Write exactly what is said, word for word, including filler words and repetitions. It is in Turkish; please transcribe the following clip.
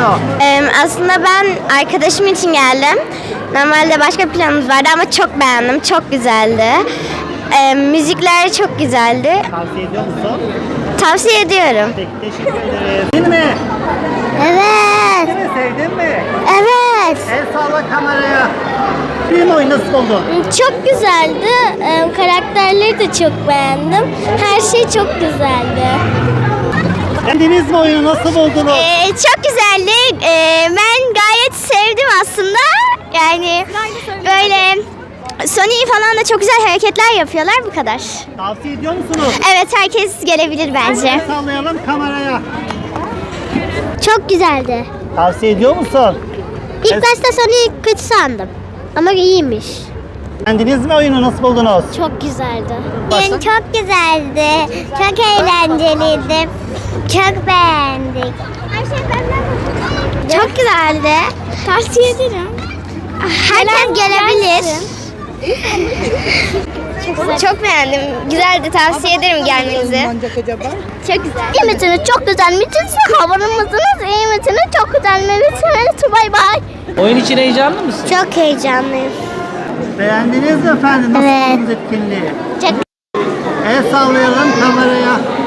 oluyor? Ee, aslında ben arkadaşım için geldim. Normalde başka planımız vardı ama çok beğendim. Çok güzeldi. Ee, müzikler çok güzeldi. Tavsiye ediyor musun? Tavsiye ediyorum. Peki, teşekkür ederiz. Değil mi? Evet. Değil mi? Sevdin mi? Evet. El salla kameraya. Film oyunu nasıl buldun? Çok güzeldi. Ee, karakterleri de çok beğendim. Her şey çok güzeldi. Beğendiniz mi oyunu? Nasıl buldunuz? Ee, çok güzeldi. Ee, ben gayet sevdim aslında. Yani böyle Sony falan da çok güzel hareketler yapıyorlar, bu kadar. Tavsiye ediyor musunuz? Evet, herkes gelebilir bence. El sallayalım kameraya. Çok güzeldi. Tavsiye ediyor musun? İlk Evet. başta Sony'yi kötü sandım. Ama iyiymiş. Beğendiniz mi oyunu? Nasıl buldunuz? Çok güzeldi. Başka? Çok güzeldi. Çok eğlenceliydi. Çok beğendik. Çok güzeldi. Tavsiye ederim. Herkes gelebilir. Çok beğendim. Güzeldi. Tavsiye ederim gelmenizi. Çok güzel. İyi misiniz? Çok güzel misiniz? Havanımızınız iyi misiniz? Çok güzel misiniz? Bay bay. Oyun için heyecanlı mısın? Çok heyecanlıyım. Beğendiniz mi efendim? Nasıl Evet. buldunuz etkinliği? Çok El sallayalım kameraya.